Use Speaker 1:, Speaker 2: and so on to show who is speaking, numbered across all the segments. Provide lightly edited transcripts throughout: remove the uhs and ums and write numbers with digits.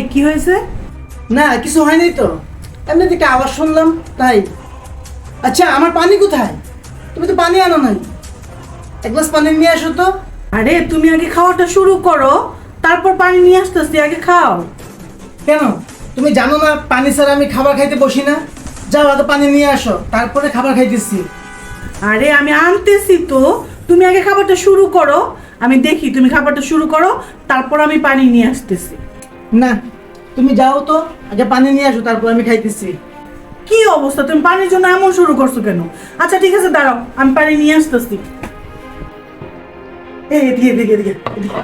Speaker 1: কি হয়েছে?
Speaker 2: না কিছু হয়নি তো, এমনি থেকে আওয়াজ শুনলাম তাই। আচ্ছা আমার পানি কোথায়? তুমি তো পানি আনো নাই, এক গ্লাস পানি নিয়ে আসো তো।
Speaker 1: আরে তুমি আগে খাওয়াটা শুরু করো, তারপর পানি নিয়ে আসতেছি, আগে খাও।
Speaker 2: কেন তুমি জানো না পানি ছাড়া আমি খাবার খাইতে বসি না? যাও আগে পানি নিয়ে আসো, তারপরে খাবার খাইতেছি।
Speaker 1: আরে আমি আনতেছি তো, তুমি আগে খাবারটা শুরু করো, আমি দেখি তুমি খাবারটা শুরু করো, তারপর আমি পানি নিয়ে আসতেছি।
Speaker 2: না তুমি যাও তো, আগে পানি নিয়ে আসো তারপর আমি খাইতেছি।
Speaker 1: কি অবস্থা, তুমি পানির জন্য এমন শুরু করছো কেন? আচ্ছা ঠিক আছে দাঁড়াও, আমি পানি নিয়ে আসতেছি।
Speaker 2: এই এদিকে এদিকে এদিকে এদিকে।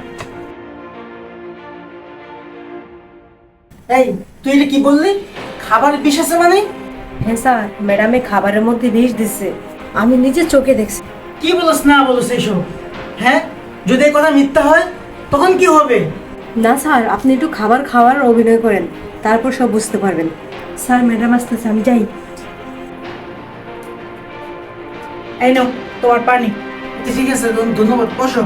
Speaker 2: এই তুই এটা কি বললি? খাবার বিষ আছে মানে?
Speaker 3: হ্যাঁ স্যার, ম্যাডামে খাবারের মধ্যে বিষ দিচ্ছে, আমি নিজে চোখে দেখছি।
Speaker 2: কি বলছ না বলছ এইসব? হ্যাঁ, যদি এই কথা মিথ্যা হয় তখন কি হবে?
Speaker 3: না স্যার, আপনি একটু খাবার খাওয়ার অভিনয় করেন, তারপর সব বুঝতে পারবেন। স্যার ম্যাডাম আসতেছে, আমি যাই।
Speaker 1: এই নাও তোমার পানি।
Speaker 2: আচ্ছা, ঠিক আছে ধন্যবাদ, বসো।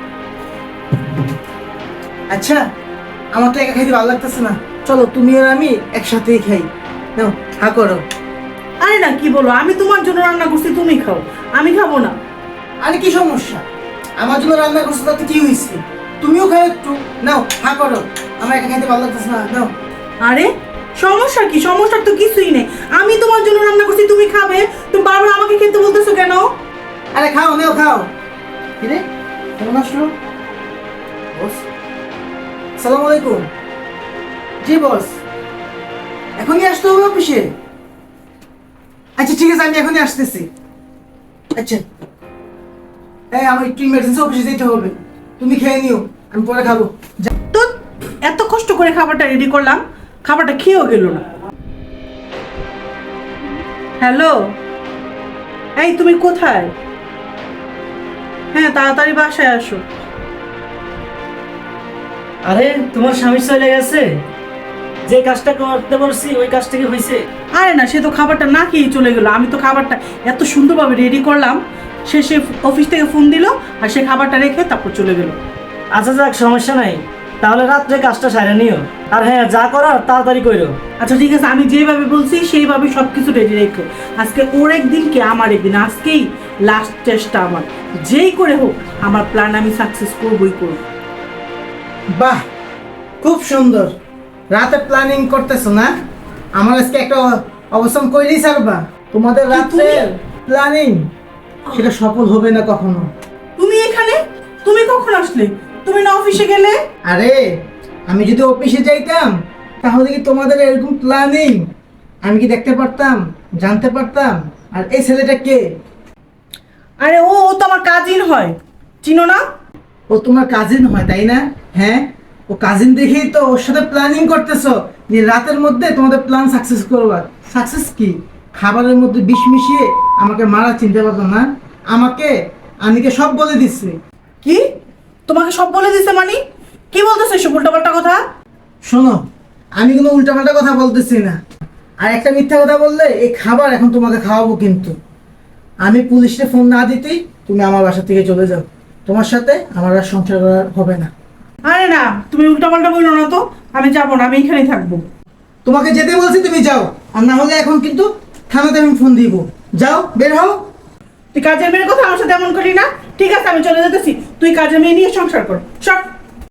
Speaker 2: আচ্ছা আমার তো একা খাইতে ভালো লাগতেছে না, চলো তুমি আর আমি একসাথেই খাই। নাও হা করো।
Speaker 1: আরে না কি বলো, আমি তোমার জন্য রান্না করছি, তুমি খাও, আমি খাবো না।
Speaker 2: আরে কি সমস্যা, আমার জন্য রান্না করছো তাতে কি হয়েছে? তুমিও খাও একটু, নাও হা করো। আমার একা খাইতে ভালো লাগতেছে না, নাও।
Speaker 1: আরে সমস্যা কি? সমস্যার তো কিছুই নেই, আমি তোমার জন্য রান্না করছি, তুমি খাবে, তুমি বারবার আমাকে খেতে বলতেছো কেন?
Speaker 2: আরে খাও, নাও খাও। কিরে কেমন আসলো বস? আসসালামু আলাইকুম। জি বস, এখনই আসতে হবে অফিসে? আচ্ছা ঠিক আছে, আমি এখনই আসতেছি। আচ্ছা হ্যাঁ, আমার একটু ইমার্জেন্সি অফিসে যেতে হবে, তুমি খেয়ে নিও, আমি পরে খাবো।
Speaker 1: তো এত কষ্ট করে খাবারটা রেডি করলাম, খাবারটা খেয়েও গেল না। হ্যালো, এই তুমি কোথায়? হ্যাঁ তাড়াতাড়ি বাসায় আসো।
Speaker 4: আরে তোমার স্বামী চলে গেছে, যে কাজটা করতে বলছি ওই কাজটা কি হয়েছে?
Speaker 1: আরে না, সে তো খাবারটা না খেয়েই চলে গেলো। আমি তো খাবারটা এত সুন্দরভাবে রেডি করলাম, সে অফিস থেকে ফোন দিল আর সে খাবারটা রেখে তারপর চলে গেল।
Speaker 4: আচ্ছা যাক, সমস্যা নাই, তাহলে রাত্রে কাজটা সারে নিও। আর হ্যাঁ, যা করার তাড়াতাড়ি করো।
Speaker 1: আচ্ছা ঠিক আছে, আমি যেভাবে বলছি সেইভাবে সবকিছু রেডি রেখো। আজকে ওর একদিন কি আমার একদিন, আজকেই লাস্ট চেষ্টা আমার, যেই করে হোক আমার প্ল্যান আমি সাকসেস করবই করব।
Speaker 2: বাহ, খুব সুন্দর। রাতে প্ল্যানিং করতেছো না? আমার আজকে একটা অবস্থান কইলেই ছাড়বা। তোমাদের রাতে প্ল্যানিং সেটা সফল হবে না কখনো।
Speaker 1: তুমি এখানে, তুমি কখন আসলে? তুমি না অফিসে গেলে?
Speaker 2: আরে আমি যদি অফিসে যাইতাম তাহলে কি তোমাদের এরকম প্ল্যানিং আমি কি দেখতে পারতাম, জানতে পারতাম? আর এই ছেলেটা কে?
Speaker 1: আরে ও ও তো আমার কাজিন হয়, চিনো না?
Speaker 2: ও তোমার কাজিন হয় তাই না? হ্যাঁ, ও কাজিন দেখেই তো ওর সাথে প্ল্যানিং করতেছো যে রাতের মধ্যে তোমাদের প্ল্যান সাকসেস করবা। সাকসেস কি? খাবারের মধ্যে বিষ মিশিয়ে আমাকে মারা, চিনতে পারতো না? আমাকে আনিকে সব বলে দিচ্ছে।
Speaker 1: কি? তোমাকে সব বলে দিছে মানে? কি বলতেছে এসব উল্টাপাল্টা কথা?
Speaker 2: শোনো, আমি কোনো উল্টাপাল্টা কথা বলতেছি না, আর একটা মিথ্যা কথা বললে এই খাবার এখন তোমাকে খাওয়াবো। কিন্তু আমি পুলিশে ফোন না দিতেই তুমি আমার বাসা থেকে চলে যাও, তোমার সাথে আমার আর সংসার করা হবে না।
Speaker 1: আরে না, তুমি উল্টাপাল্টা বললো না তো, আমি যাবো না, আমি এখানেই থাকবো।
Speaker 2: তোমাকে যেতে বলছি, তুমি যাও, আর না হলে এখন কিন্তু থানাতে আমি ফোন দিব। যাও, বের হও।
Speaker 1: তুই কাজের মেয়ের কথা আমার সাথে এমন করি না। ঠিক আছে আমি চলে যেতেছি, তুই কাজের মেয়ে নিয়ে সংসার কর, সব।